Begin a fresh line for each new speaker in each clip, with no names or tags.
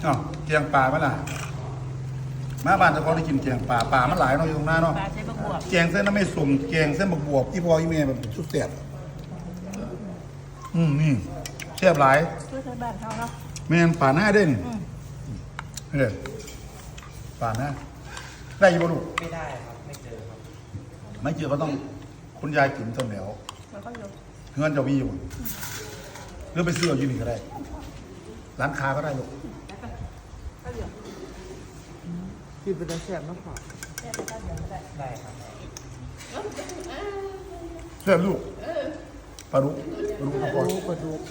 อ๋อแกงปลาไหมล่ะมาบ้านเจ้าของได้กินแกงปลาปลามันหลายเนาะอยู่ตรงหน้าเนาะ
ปลาใช้บักบวบ
แกงเส้นน้ำไม่สุ่มแกงเส้นบักบวบที่พ่อที่แม่แบบสุดแซ่บนี่แซ่บหลาย
ช่วยใช้บ้านเขาเนาะ
แม่นป่าหน้าได้นี่เฮ้ยป่าหน้าได้อยี่บ่ลูก
ไม่ได้ครับไม่เจอครับ
ไม่เจอก็ต้องคุณยายกินต้นแล้ว
แล้วก็ยก
เงินจะมีอยู่หรือไปซื้อเอาอยู่นี่ก็ได้ ร้านค้าก็ได้ลูก
ก็เหลือ
กินเป็นแซ่บมากกว่า
แค่ไปก็เหลือก็ได้
ได้ครับ
เชื่อลูกปลาดุกปลาดุก
ดูกระดูก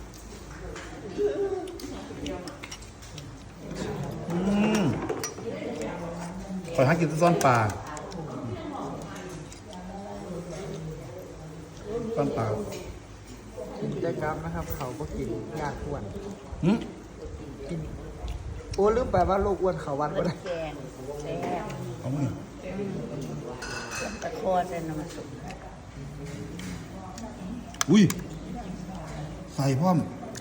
คอยหากินซ่อนปลาซ่อนปลา
กินได้ครับนะครับ เขาก็กินยากอ้วน
หืม
กินโอ้ลืมไปว่าโรคอ้วนเขาวันก็ได้
แกงแซ่บ
เอามือ
ตะคอใส่น้ำมันสุก
อุ้ยใส่พร้อม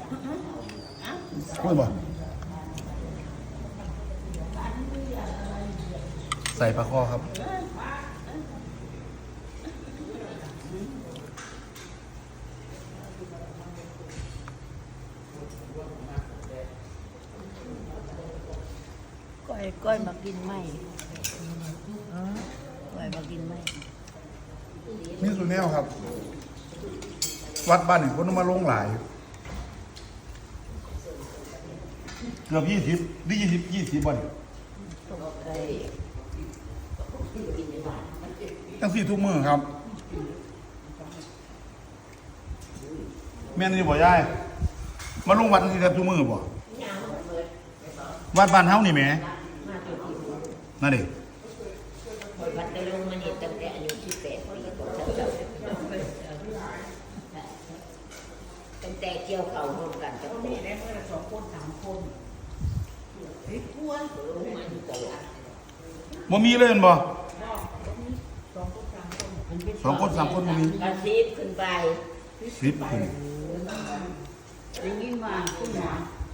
กล้วยบ่ใส่ปลาคอครับ
ก้อยมากินไหมก้อยมากินไหม
นี่สุดแนวครับ วัดบ้านนี่คนมาลงหลาย เกือบ20นี่20บ่นี่
ตกไก่
ตั้ง4ทุกมื้อครับ แม่นนี่บ่ยายมาลงวัดนี่แทบทุกมื้อบ่วัดบ้านเฮานี่แหมนั่นดิ
วัดได้ลงมานี่ตั้งแต่อายุ18 ปีก็เจ้าตั้งแต่เกี่ยวเขาร่วมกันตั้งแต่ได้เมื่อ2 คน 3 คนไอ้กวนลงมาอยู่ตลอด
บ่มีเลยแม่นบ่
2 คน 3 คน
2 คน 3 คนบ่มี
กระซิบขึ้นไป
10ขึ้น
ได้ยินว่าคุณหมอ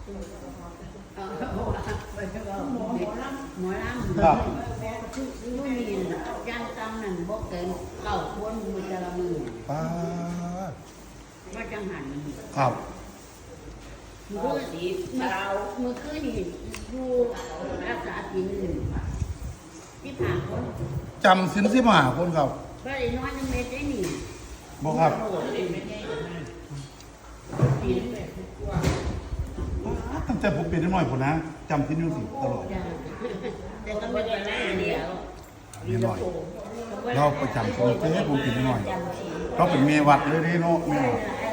หมอลำ
ครับ
นู่นนี่จ้างตำนั่นบอกเกิน9 คนมือจะละมือ
ป้าด
ว่าจังหัน
ครับ
มือสีเช้ามือคืนนี่อยู่รักษาศีลที่ผ่านคน
จำศีล15คนครับ
ก็ได้น้อยนึงเม็ดได้นี่
บ่ครับ
ศีล
ตั้งแต่ผมเป็นน้อยๆพุ่นนะจำศีลอยู่สิตลอด
แต่ก็ไม่ได้หน้าเดียว
นิดหน่อยเราประจำศีลเจ้ผมเป็นน้อยเราเป็นเมียวัดเลยเด้เนาะแม่
เ